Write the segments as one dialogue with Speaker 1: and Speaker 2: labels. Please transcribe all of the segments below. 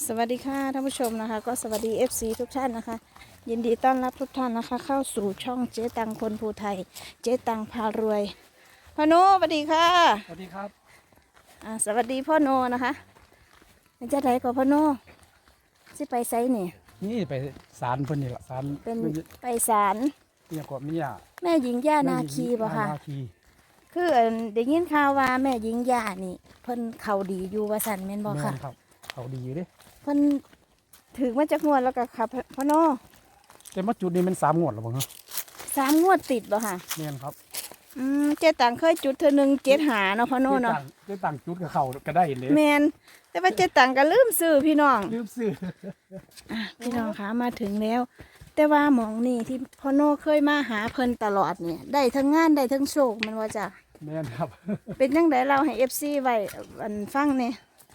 Speaker 1: สวัสดีค่ะท่านผู้ชมนะคะก็สวัสดี FC ทุกท่านนะคะยินดีต้อนรับทุกท่านนะคะเข้าสู่ช่องเจ๊ตังคนภูไทยเจ๊ตังพารวยพ่อโนสวัสดีค่ะ
Speaker 2: สวัสดีครับ
Speaker 1: สวัสดีพ่อโนนะคะจะไหนกับพ่อโนสิไปไซนี่
Speaker 2: นี่ไปศาลเพิ่นนี่ละศาล
Speaker 1: เป็นไปศาล
Speaker 2: เนี่ยก็มีอ่ะ
Speaker 1: แม่หญิงย่านาคีบ่ค่ะ
Speaker 2: นาคี
Speaker 1: คือได้ยินข่าวว่าแม่หญิงย่านี่เพิ่นเขาดีอยู่ว่าสันแม่นบ่
Speaker 2: แม่
Speaker 1: ค่ะ
Speaker 2: นครับเขาดีอยู่เด้
Speaker 1: เพิ่นถือมาจากงวดแล้วก็ขับพ่อโน
Speaker 2: แต่มาจุดนี้มัน3 งวดแล้วบ่ฮะ
Speaker 1: 3 งวดติดบ่ค่ะ
Speaker 2: แม่นครับ
Speaker 1: เจ๊ตังเคยจุดเธอหนึ่ง7 หาเนาะพ่อโน่เนาะ
Speaker 2: ได้ตั้งจุดกับเขาก็ได้เลย
Speaker 1: แมนแต่ว่าเจ๊ตังก็ลืมซื้อพี่น้อง
Speaker 2: ลืมซื้อ
Speaker 1: พี่น้องคะมาถึงแล้ว แต่ว่าหมองนี่ที่พ่อโน่เคยมาหาเพิ่นตลอดเนี่ยได้ทั้งงานได้ทั้งโชคมันว่าจ้ะ
Speaker 2: แม่นครับ
Speaker 1: เป็นยังไงเราให้FCไว้อันฟังเนี่ย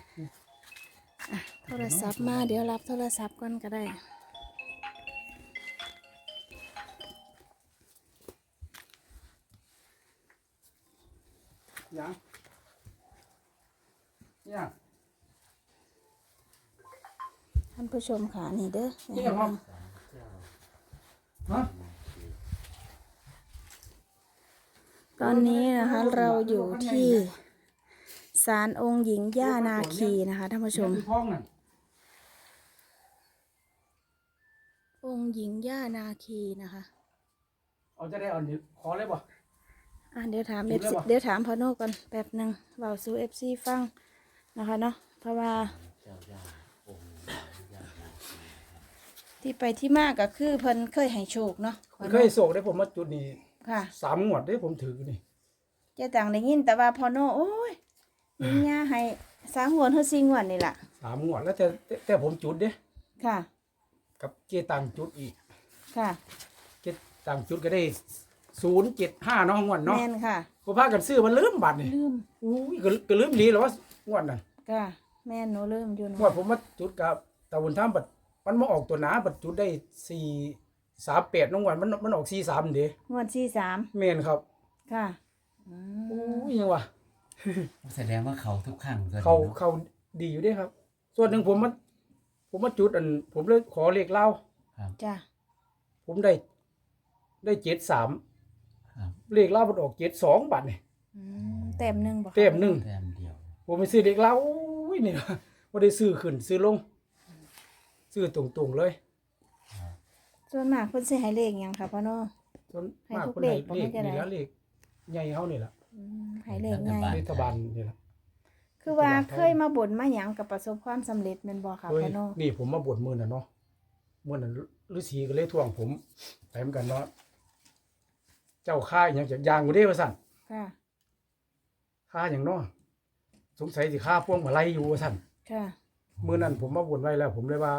Speaker 1: โทรศัพท์มาเดี๋ยวรับโทรศัพท์ก่อนก็ได้
Speaker 2: ยังเนี่ย
Speaker 1: ท่านผู้ชมค่ะนี่เด้อ
Speaker 2: นี่ครับฮะ
Speaker 1: ตอนนี้นะคะเราอยู่ที่ศาลองค์หญิงย่านาคีนะคะท่านผู้ชม
Speaker 2: ท้องนั่น
Speaker 1: องค์หญิงย่านาคีนะคะ
Speaker 2: เอาจะได้เอานี่ขอเลยบ่
Speaker 1: เดี๋ยวถาม
Speaker 2: จุดแล้ว
Speaker 1: FC
Speaker 2: ปะ
Speaker 1: เดี๋ยวถามพ่อโน่ก่อนแป๊บหนึ่งเบาสู่ FC ฟังนะคะเนาะเพราะว่าที่ไปที่มาก็คือเพิ่นเคยให้โชคเนาะพ่อ
Speaker 2: เค
Speaker 1: โน่
Speaker 2: ยโศกได้ผมมาจุดนี้
Speaker 1: ค่ะ
Speaker 2: 3 งวดได้ผมถือนี่
Speaker 1: เจ๊ต่างได้ยินแต่ว่าพ่อโน่โอ้ยยิงย่าให้3 งวดเฮา4 งวดนี่ล่ะ
Speaker 2: 3 งวดแล้วแต่ผมจุดเด้
Speaker 1: ค่ะ
Speaker 2: กับเกตังจุดอีก
Speaker 1: ค่ะ
Speaker 2: เก็บต่างจุดก็ได้075เนาะงวดเนาะ
Speaker 1: แม่นค่ะ
Speaker 2: พอพากันซื้อมันลืมบัตรนี่
Speaker 1: ลืม
Speaker 2: อุ้ยก็ลืมดีแล้วว่างวดน่ะ
Speaker 1: ค่ะแม่นหนูลืมอยู่
Speaker 2: งว
Speaker 1: เนาะ
Speaker 2: ดผมมาจุดกับตะวันท่ามบัดมันมาออกตัวหนาบัดจุดได้438น้องงวดมันออก43เด้
Speaker 1: งวด43
Speaker 2: แม่นครับ
Speaker 1: ค่ะ
Speaker 2: อุ้ยยังวะ
Speaker 3: แสดงว่าเขาทุกครั้งตัวนี้
Speaker 2: เขา
Speaker 3: เนาะ
Speaker 2: เขาดีอยู่เด้ครับ ส่วนหนึ่งผมมาจุดผมเลยขอเลขเล่า
Speaker 1: จ้ะ
Speaker 2: ผมได้73
Speaker 3: ครับ
Speaker 2: เลขเล่ามันออก72บัดนี่
Speaker 1: เต็มหนึ่งบ่คะ
Speaker 2: เต็มหนึง
Speaker 3: แต้มเดียว
Speaker 2: ผมไปซื้อเด็กเล่าอุ้ยนี่ว่าได้ซื้อขึ้นซื้อลง ซื้อตรงๆเลย
Speaker 1: ส่วนมากเพิ่นสิให้เลขหยังค่ะพ่อโน่
Speaker 2: ส่วน
Speaker 1: ให้
Speaker 2: มาก
Speaker 1: ทุก
Speaker 2: คน
Speaker 1: เล
Speaker 2: ไหน
Speaker 1: ขบ่
Speaker 2: เล
Speaker 1: ให้
Speaker 2: ข
Speaker 1: จะได้
Speaker 2: นี่ละเลขใหญ่เฮานี่ล่ะ
Speaker 1: ให้เลขใหญ่
Speaker 2: รัฐบาลนี่ล่ะ
Speaker 1: คือว่าเคยมาบ่นมาหยังกับประสบความสำเร็จแม่นบ่ค่ะ
Speaker 2: เฮ้ย
Speaker 1: พ่อโน่
Speaker 2: นี่ผมมาบวชมื้อน่ะเนาะมื้อนั้นฤาษีก็เลยทวงผมไปเหมือนกันเนาะเจ้าค่าอหยังจากยางบ่ได้ว่าซั่น
Speaker 1: ค่ะ
Speaker 2: ค่าหยังเนาะสงสัยสิค่าพวงมาลัยอยู่ว่าซั่น
Speaker 1: ค่ะ
Speaker 2: มื้อนั้นผมมาบวชไว้แล้ว ผมเลยว่า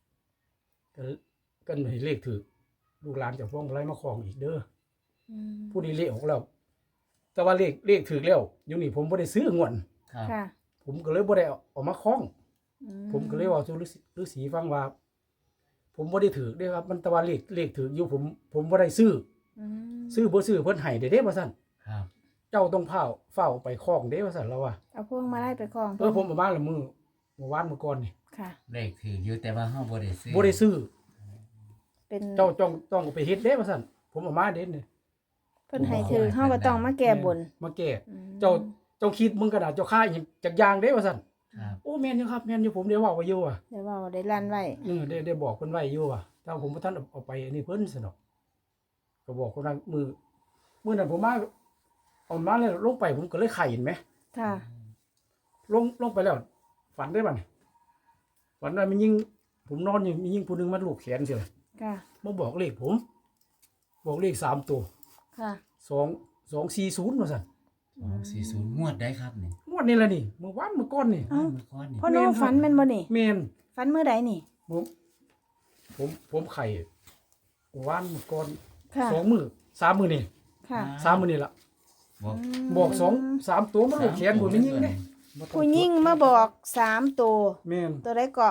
Speaker 2: ก็ให้เลขถูกลูกหลานจากพวงมาลัยมาครองอีกเด้อ
Speaker 1: อืม
Speaker 2: ผู้ดีเลขออกแล้ว แต่ว่าเลขถือแล้วอยู่นี่ผมบ่ได้ซื้องวด
Speaker 3: ครับ
Speaker 1: ค่ะ
Speaker 2: ผมก็เลยบ่ได้เอามาคล้อง
Speaker 1: อื
Speaker 2: ผมก็เลยเว่าสู่ฤาษีฟังว่า ผมบ่ได้ถือเด้ครับ มันแต่ว่าเลขถืออยู่ผมบ่ได้ซื้อ
Speaker 1: อืม
Speaker 2: ซื้อบ่ซื้อเพิ่นให้เด้ว่าซั่น
Speaker 3: ครับ
Speaker 2: เจ้าต้องเฝ้าไปคล้องเด้ว่าซั่นแล้วว่า
Speaker 1: เอาพวงมาลัยไปคล้อง
Speaker 2: ผมประมาณละมื้อเมื่อวานเมื่อก่อนนี่
Speaker 1: ค่ะ
Speaker 3: เลขถืออยู่แต่ว่าเฮาบ่ได้ซื้อ
Speaker 2: บ่ได้ซื้อ
Speaker 1: เป็น
Speaker 2: เจ้าต้องเอาไปเฮ็ดเด้ว่าซั่นผมเอามาเด้นี่
Speaker 1: เพิ่นให้ถือเฮาก็ต้องมาแก้บน
Speaker 2: มาแก้
Speaker 1: อืม
Speaker 2: เจ้าคิดมึงกระดาษเจ้าค่าอีกจักอย่างเด้ว่าซั่น
Speaker 3: ครับ
Speaker 2: โอ้แม่นอยู่ครับแม่นอยู่ผมได้เว้าไว้อยู่ว่า
Speaker 1: เดี๋ยวเว่าได้ลั่นไว้
Speaker 2: ได้บอกคนไว้อยู่ว่ะถ้าผมบ่ทันเอาไปอันนี้เพิ่นซะเนาะก็บอกคนนั้นมื้อนั้นผมมาเอามาแล้วลงไปผมก็เลยไข่เห็นไหม
Speaker 1: ค่ะ
Speaker 2: ลงไปแล้ว ฝันได้บัดนี้ฝันว่ามันยิงผมนอนอยู่มียิงผู้หนึงมาลูบแขนเสีย
Speaker 1: ค่ะ
Speaker 2: มาบอกเลขผม บอกเลข3ตัว
Speaker 1: ค่ะ
Speaker 2: 240ว่าซั่น
Speaker 3: 240งวดได้ครับนี่
Speaker 2: งวดนี้ล่ะนี่เมื่อวานเมื่อก่อนนี่
Speaker 1: เอ้า
Speaker 3: เมื่อก่อนนี่
Speaker 1: พ่อโน่ฝันแม่นบ่นี่
Speaker 2: แม่น
Speaker 1: ฝันมื้อใดนี่
Speaker 2: ผมไข่เมื่อวานเมื่อก่อน
Speaker 1: ค่ะ
Speaker 2: 2มื้อ3มื้อนี่
Speaker 1: ค่ะ
Speaker 2: 3มื้อนี่ล่ะ
Speaker 3: บอก
Speaker 2: บอก3ตัวมาลูกแขนผมไม่ยิงเด้
Speaker 1: ผู้หญิงมาบอก3ตัว
Speaker 2: แม่น
Speaker 1: ตัวใดก็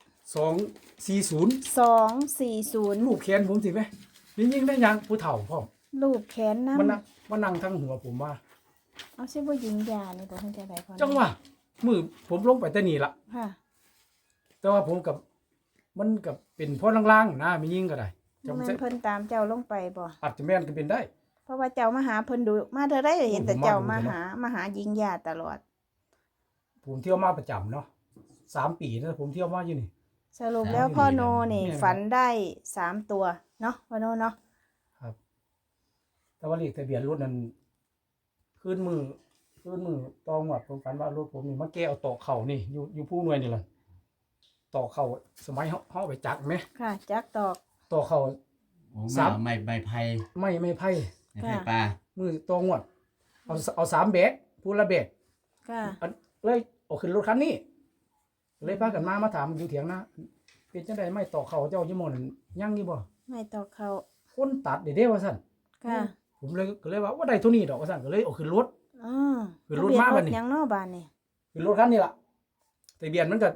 Speaker 2: 240
Speaker 1: 240
Speaker 2: ลูกแขนผมสิไหมยิงได้ยังผู้เฒ่าพร้อม
Speaker 1: รูปแขนนำ
Speaker 2: มันนั่งทั้งหัวผมว่า
Speaker 1: เอาสิบ่หญิงยานี่บ่เพิ่นจะได้พ่อโน่
Speaker 2: จังว่ามือผมลงไปแต่นี่ละ
Speaker 1: ค่ะ
Speaker 2: แต่ว่าผมกับมันกับเป็นพ่อล่างๆนะมียิ่งก็ได้
Speaker 1: บ่
Speaker 2: จำ
Speaker 1: แม่
Speaker 2: เส้
Speaker 1: นเพิ่นตามเจ้าลงไปบ่
Speaker 2: อาจจะแม่นก็เป็นได้
Speaker 1: เพราะว่าเจ้ามาหาเพิ่นดูมาเท่าใดก็เห็นแต่
Speaker 2: ผมมา
Speaker 1: เจ้า
Speaker 2: ดู
Speaker 1: มา
Speaker 2: เถอะเนาะ
Speaker 1: หาหญิงญาติตลอด
Speaker 2: ผมเที่ยวมาประจำเนาะ3 ปีนะผมเที่ยวมาอยู่นี่
Speaker 1: สรุปแล้วพ่อโนนี่
Speaker 2: แม่นครับ
Speaker 1: ฝันได้3ตัวเนาะพ่อโนเนาะ
Speaker 2: ครับ แต่ว่าเลขทะเบียนรถนั้นขึ้นมือตองหวัดผมฝันว่ารถผมนี่มาแก้เอาตอกเข่านี่อยู่ผู้หน่วยนี่แหละตอกเข่าสมัยเฮาไปจักไหม
Speaker 1: ค่ะ จักตอก
Speaker 2: ตอกเข่า
Speaker 3: โอ้
Speaker 2: สาม
Speaker 3: ไม่ไผ่
Speaker 2: ไม่ไผ่
Speaker 3: ไม่ไผ่ปลา
Speaker 2: มือตองหวัดเอา3 แบกผู้ละแบก
Speaker 1: ค่ะ
Speaker 2: อันเลยเอาขึ้นรถคันนี้เลยพากันมาถามอยู่เถียงนะเป็นจังไดไม่ตอกเข่าเจ้ายี่โมนั่นยังอยู่บ่
Speaker 1: ไม่ตอกเขา
Speaker 2: คนตัดเด้ว่าซั่น
Speaker 1: ค่ะ
Speaker 2: ผมเลยว่าได้เท่านี้ดอกว่าซั่นก็เลยเอาขึ้นรถ
Speaker 1: อ๋อ
Speaker 2: คือรถมาบัดนี้
Speaker 1: ทะเบียนรถยังเนาะบ้านนี่
Speaker 2: ขึ้นรถคันนี้ล่ะทะเบียนมันก็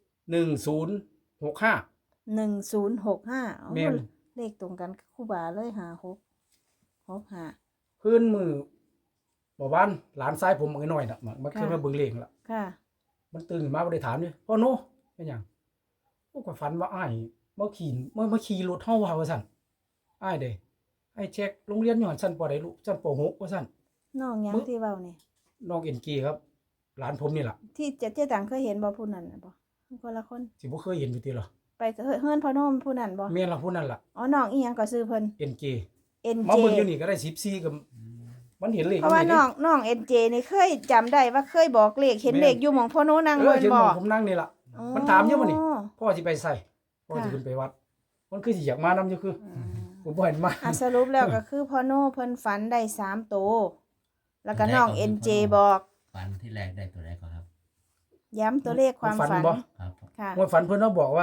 Speaker 2: 1065
Speaker 1: 1065
Speaker 2: แม่น
Speaker 1: เลขตรงกันกับครูบาเลย5665
Speaker 2: พื้นมือบ่บ้านหลานซ้ายผมน้อยๆน่ะมันเคยมาเบิ่งเลขล่ะ
Speaker 1: ค่ะ
Speaker 2: มันตื่นขึ้นมาบ่ได้ถามนี่พ่อโนเป็นหยังโอ้ก็ฝันว่าอ้ายมาขี่รถเฮาว่าซั่นอ้ายเด้ให้เช็คโรงเรียนอยู่หั่นชั้นปใดลูกชั้นป .6 ว่าซั่น
Speaker 1: น้องหยังที่เว้านี่
Speaker 2: น้องเอ็นกีครับหลานผมนี่ล่ะ
Speaker 1: ที่เจ๊ตังเคยเห็นบ่ผู้นั้นน่ะบ่คนละคน
Speaker 2: สิบ่เคยเห็นอยู่ติเหรอ
Speaker 1: ไปเฮือนพ่อโนมผู้นั้นบ่
Speaker 2: แม่นล่ะผู้นั้นล่ะ
Speaker 1: อ๋อน้องอีหยังก็ซื้อเพิ่น
Speaker 2: เอ็นกี
Speaker 1: NJ
Speaker 2: มาเบิ่งอยู่นี่ก็ได้14กับมันเห็นเลข
Speaker 1: เพราะว่า
Speaker 2: ยู่
Speaker 1: น้อง NJ นี่เคยจำได้ว่าเคยบอกเลขเห็นเลขอยู่หม่องพ่อโนนั่ง
Speaker 2: เอ
Speaker 1: เบิ่
Speaker 2: อน เห็น
Speaker 1: บ่
Speaker 2: ผมนั่งนี่ล่ะ
Speaker 1: อ๋อ
Speaker 2: มันถามอยู่บ่นี่ พ่อสิไปใส่พ่อสิ
Speaker 1: ค่ะ
Speaker 2: ขึ้นไปวัด มันคือสิอยากมานำอยู่คือ ผมบ่เห็นมา
Speaker 1: อ่ะสรุปแล้วก็คือพ่อโนเพิ่นฝันได้3ตัวแล้วก็น้อง NJ บอก
Speaker 3: ฝันที่แรกได้ตัวแรกก็ครับ
Speaker 1: ย้ำตัวเลขความฝัน
Speaker 2: บ่
Speaker 3: ครับ
Speaker 1: ค่ะ
Speaker 3: 240
Speaker 2: เมื่อฝันเพิ่นว่าบอกว่า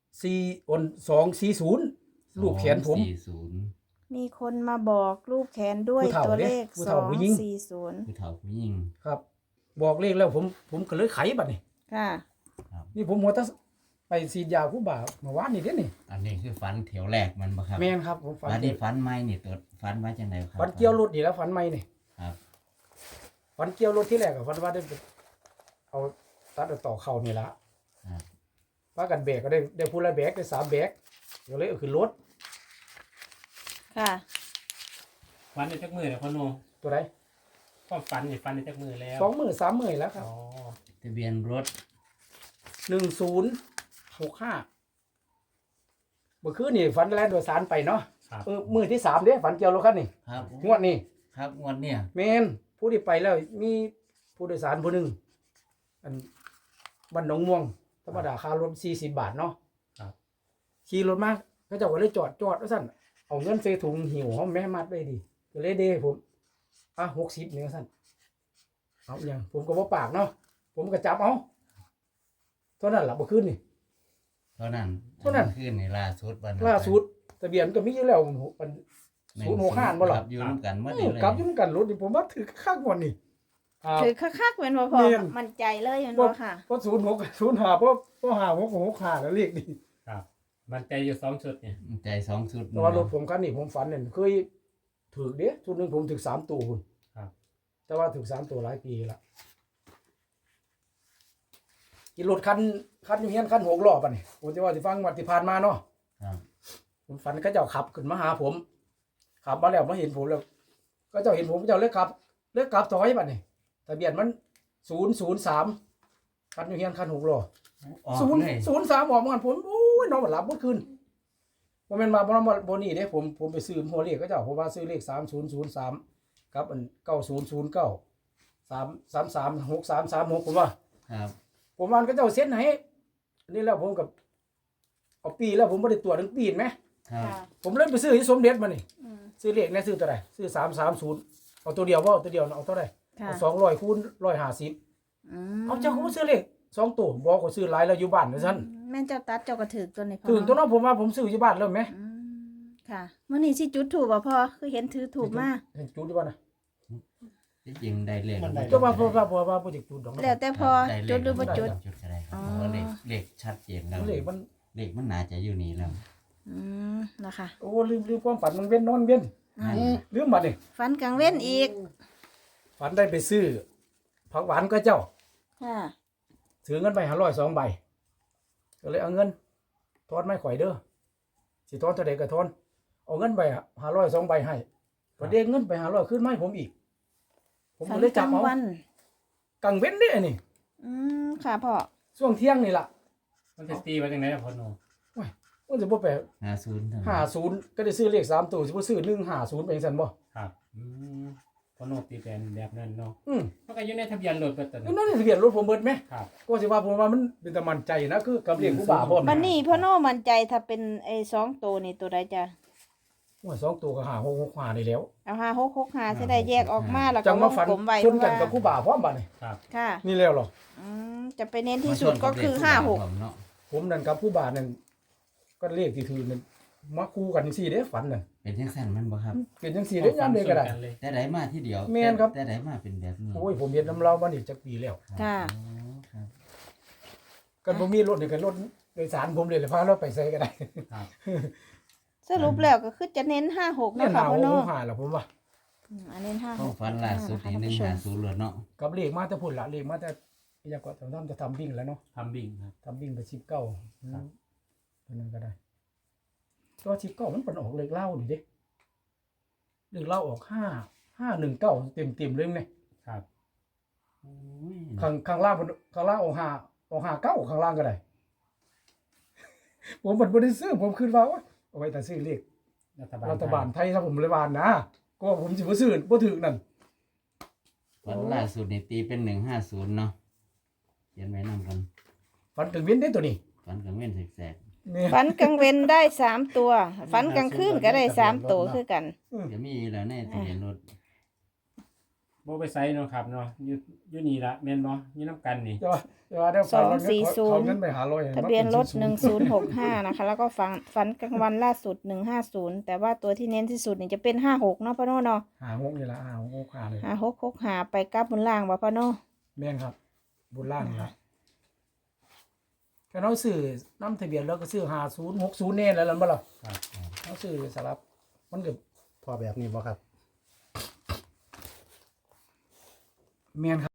Speaker 2: 240รูปแขนผม
Speaker 1: มีคนมาบอกรูปแขนด้วย
Speaker 2: ผู้เฒ่า
Speaker 1: ตัวเลข
Speaker 2: ผู้เฒ่าผู้หญิง
Speaker 1: 240
Speaker 3: ผู้เฒ่าผู้หญิง
Speaker 2: ครับ บอกเลขแล้วผมก็เลยไขบัดนี้
Speaker 1: ค่ะ
Speaker 2: นี่ผมหัวตะไปฉีดยาผู้บ่าวเมื่อวานนี่เด้นี่
Speaker 3: อันนี้คือฝันแถวแรกมันบ่ครับ
Speaker 2: แม่นครับผมฝัน
Speaker 3: ฝันนี่ฝันใหม่นี่ตัวฝันไว้จังไดครับ
Speaker 2: ฝันเกี่ยวรถนี่แล้วฝันใหม่นี่
Speaker 3: ครับ
Speaker 2: ฝันเกี่ยวรถที่แรกก็ฝันว่าได้ไปเอาตัดเอาต่อเข่านี่ละ
Speaker 3: ครับ
Speaker 2: พากันแบกก็ได้ผู้ละแบกได้3 แบกก็เลยเอาขึ้นรถ
Speaker 1: ค่ะ
Speaker 4: ฟันในจักมือแล้วพ่อโน
Speaker 2: ตัวใด
Speaker 4: ความฝันนี่ฟันในจักมือแล้ว
Speaker 2: 2 มื้อ3 มื้อแล้วครับ
Speaker 4: อ๋อ
Speaker 3: ทะเบียนรถ
Speaker 2: 1065เมื่อคืนนี่ฝันแล่นโดยสารไปเนาะ
Speaker 4: ครับ
Speaker 2: มื้อที่3เด้ฝันเกี่ยวรถคันนี่
Speaker 3: ครับ
Speaker 2: งวดนี้
Speaker 3: ครับงวดเนี่ย
Speaker 2: แม่นผู้ที่ไปแล้วมีผู้โดยสารผู้หนึงอันบ้านหนองม่วงธรรมดาค่ารถ40 บาทเนาะ
Speaker 4: ครับ
Speaker 2: ขี่รถมาเขาเจ้าก็เลยจอดว่าซั่นเอาเงินใส่ถุงหิวเฮาแม่มัดไว้ดิก็เลยเด้ผม60นี่ว่าซั่นเอาอหยังผมก็บ่ปากเนาะผมก็จับเอาเท่านั้นล่ะบ่คืนนี่
Speaker 3: เท่านั้น
Speaker 2: เท่านั้น
Speaker 3: ขึ้นในล่าสุดวันนั้น
Speaker 2: ล่าสุดทะเบียนก็มีอยู่แล้วมัน065บ่ล่ะ
Speaker 3: ครับอยู่ร่วมกันหมด
Speaker 2: เอ
Speaker 3: นี่
Speaker 2: อ
Speaker 3: เลย
Speaker 2: กลับอยู่นำกันรถนี่ผมว่าถือข้างกว่านี่ครับ
Speaker 1: ถือคักๆเป็นบ่พอ
Speaker 2: แม่น
Speaker 1: มั่นใจเลยแม่นบ่ค่ะ
Speaker 2: เพราะ05เพราะ5 แล้วเลขนี่
Speaker 4: ครับมันใจอยู่2ชุดเนี่ย
Speaker 3: ใจสองสุด
Speaker 2: แต่ว่ารถผมคันนี้ผมฝันเนี่ยเคยถูกเด้ชุดหนึงผมถูก3ตัวพุ่น
Speaker 4: ครับ
Speaker 2: แต่ว่าถูก3ตัวหลายปีละอีรถคันอยู่เฮียนคัน6ล้อป่ะนี่ผมจะว่าสิฟังวัดที่ผ่านมาเนาะ
Speaker 3: ครับ
Speaker 2: ผมฝันเขาเจ้าขับขึ้นมาหาผมขับมาแล้วมาเห็นผมแล้วก็เจ้าเห็นผมเจ้าเลิกกลับถอยป่ะนี่ทะเบียนมัน003คันอยู่เฮียนคัน6ล้อ
Speaker 3: ออก
Speaker 2: ศูนย์
Speaker 3: เลย
Speaker 2: 03ออกมาผมโอ้ยนอนบ่หลับเมื่อคืนบ่แม่นมาบ่นี่เด้ผมไปซื้อหัวเลขเขาเจ้าผมว่าซื้อเลข3003กับอัน9009 3336336ผมว่า
Speaker 3: ครับ
Speaker 2: ผมว่าเขาเจ้าเซ็นให้อันนี้แล้วผมกับเอาปีแล้วผมบ่ได้ตรวจถึงปีนไหม
Speaker 3: ครับ
Speaker 1: ค่ะ
Speaker 2: ผมเลยไปซื้อที่สมเด็จมานี่
Speaker 1: อืม
Speaker 2: ซื้อเลขเนี่ยซื้อตัวใดซื้อ330เอาตัวเดียวบ่เอาตัวเดียวเอาเท่าใด
Speaker 1: ค่ะ
Speaker 2: เอา200คูณ150
Speaker 1: อืม
Speaker 2: เอาเจ้าก็บ่ซื้อเลข2ตัวบ่ก็ซื้อหลายแล้วอยู่บ้านว่าซั่น
Speaker 1: แม่นเจ้าตัดเจ้าก็ถือตัวนี้พ่อ
Speaker 2: ถึงตัวนั้นผมว่าผมซื้ออยู่บ้านแล้วแหม
Speaker 1: อืมค่ะมื้อนี้สิจุดถูกบ่พ่อคือเห็นถือถูกมา
Speaker 2: เห็นจุดอยู่บ่นะ
Speaker 3: ที่จริงได้เลข
Speaker 2: ก็ว่าบ่บ่จิกจุดดอก
Speaker 1: แล้วแต่พอ
Speaker 3: ได้เลข
Speaker 1: จุดหรือบ่จุด
Speaker 3: จุดก็ได้ครับ
Speaker 1: อ๋อ
Speaker 3: เพราะว่าเลขชัดเจนแล้ว
Speaker 2: เลขมัน
Speaker 3: เลขมันน่าจะอยู่นี่แล้ว
Speaker 1: อืมนะคะ
Speaker 2: โอ้ลืมความฝันมันเว้นนอนเว้น
Speaker 1: อืม
Speaker 2: ลืมบัดนี่
Speaker 1: ฝันกลางเว้นอีก
Speaker 2: ฝันได้ไปซื้อผักหวานก็เจ้า
Speaker 1: ค่ะ
Speaker 2: ถือเงินไป500 2 ใบก็เลยเอาเงินทอนไม่ข่อยเด้อสิทอนเท่าใดก็ทอนเอาเงินไป500 2ใบให้พอเด้งเงินไป500ขึ้นมาให้ผมอีก ผม
Speaker 1: ฝั
Speaker 2: ก็
Speaker 1: น
Speaker 2: เลย
Speaker 1: ก
Speaker 2: จั
Speaker 1: ลา
Speaker 2: บ
Speaker 1: ง
Speaker 2: เอา
Speaker 1: วัน
Speaker 2: กลางเว้นเด้อนี่
Speaker 1: ค่ะพ่อ
Speaker 2: ช่วงเที่ยงนี่ล่ะ
Speaker 4: มันจะตีไว้จังไดล่ะพ่อโน
Speaker 2: มันจะบ่ไป
Speaker 3: 50เท่านั้น
Speaker 2: 50ก็ได้ซื้อเลข3ตัวสิบ่ซื้อ150ไปจังซั่นบ่
Speaker 4: ครับพ่อโนตีเป็นแบบนั้นเนาะ
Speaker 2: อืม
Speaker 4: มันก็อยู่ในทะเบียนรถเบิดตอน
Speaker 2: นั่นทะเบียนรถผมเบิดไหม
Speaker 4: ครับ
Speaker 2: ก็สิว่าผมว่ามันเป็นตะมันใจนะคือกับเลขผู้บ่าวพร้อม
Speaker 1: บันนี้พ่อโน่มั่นใจถ้าเป็นไอ้2ตัวนี่ตัวใดจ้ะ
Speaker 2: โอ้ย2ตัวก็หา6 6 5ได้แล้ว
Speaker 1: เอา5665จะได้แยกออกมาแล้ว
Speaker 2: จั
Speaker 1: ก็
Speaker 2: ง
Speaker 1: ว
Speaker 2: มาง ฝัน
Speaker 1: กลมไว้
Speaker 2: ชนกันกับผู้บ่าวพร้อมบัดนี้
Speaker 4: ครับ
Speaker 1: ค่ะ
Speaker 2: นี่แล้วเหรอ
Speaker 1: จะไปเน้นที่สุดก็คือ
Speaker 3: มาชนกับเลขผู้บ่าวผมเนาะ
Speaker 2: ผมนั่นกับผู้บ่าวนั่นก็เลขที่ถือนั่นมาคู่กันจังซี่เด้ฝันน่ะ
Speaker 3: เป็นจังซั่นมันบ่ครับ
Speaker 2: เป็นจังซี่เด้ยามใดก็ได้
Speaker 4: เลย
Speaker 3: แต่ใดมาที่เดียว
Speaker 2: แม่นครับ
Speaker 3: แต่ใดมาเป็นแบบนี้
Speaker 2: โอ้ยผมเฮ็ดน้ำเรามานี่จักปีแล้ว
Speaker 1: ค่ะ
Speaker 3: อ๋อครับ
Speaker 2: กันบ่มีรถนี่ก็รถโดยสารผมเลยพาเราไปใส่ก็ได้
Speaker 4: ครับ
Speaker 1: สรุปแล้วก็คือจะเน้น56
Speaker 2: เนี่
Speaker 1: นะ
Speaker 2: ยห
Speaker 1: คะ
Speaker 2: า
Speaker 1: พ่อโน่
Speaker 2: หาล่ะผมว่า
Speaker 1: อันเน้น
Speaker 3: ข้อง
Speaker 1: 56
Speaker 3: ฝันล่าสุดนี่
Speaker 1: ท่านผู้ชม
Speaker 3: 150เลยเนาะ
Speaker 2: กับเลขมาแต่พุ่นละเลขมาแต่อยากก็จะทำวิ่งแล้วเนาะ
Speaker 4: ทำบิ่งครับ
Speaker 2: ทำวิ่งไป19
Speaker 4: ครับ
Speaker 2: ตัวนั้นก็ได้ตัว19มันเป็นออกเลขเล่านี่เด้เลขเล่าออก519เต็มๆเลยเนี่ย
Speaker 4: ครับ
Speaker 3: โอ้ย
Speaker 2: ข้างล่างมันข้างล่างออก59ข้างล่างก็ได้ ผมมันบ่ได้ซื้อผมคิดว่าโอ๊ยเอาไว้แต่ซื้อเลข รัฐบาลไทยถ้าผมเลยบานนะก็ผมสิบ่ซื้อบ่ถึกนั่น
Speaker 3: ฝันล่าสุดนี่ตีเป็น150เนาะเขียนไว้นำกัน
Speaker 2: ฝันถึงเว้นได้ตัวนี้
Speaker 3: ฝันกลางเว้นแสก
Speaker 2: นี่
Speaker 1: ฝันกลางเว้นได้3ตัวฝันกลางคืนก็ได้3ตัวคือกัน
Speaker 3: ๆจะมีอยู่แล้วในทะเบียนรถ
Speaker 4: โบไปไซเนาะครับเนาะอยู่นี่ละแม่นบ่อยู่น้ำกันนี่
Speaker 2: จะว่าได้ฝันว่าเขาเงินไปหาร้อย
Speaker 1: ทะเบียนรถ1065นะคะแล้วก็ฝันกลางวันล่าสุด150แต่ว่าตัวที่เน้นที่สุดนี่จะเป็น56เนาะพ่อโน่เนาะ
Speaker 2: หา6นี่ล่ะหา6หาเลย
Speaker 1: 5665ไปกลับบนล่างบ่พ่อโน่
Speaker 2: แม่นครับบุญล่างนี่ล่ะแค่เราซื้อนำทะเบียนแล้วก็ซื้อ50 60แน่แล้วล่ะบ่ล่ะ
Speaker 4: ครับ
Speaker 2: เราซื้อสลับมันก็พอแบบนี้บ่ครับแม่นครับ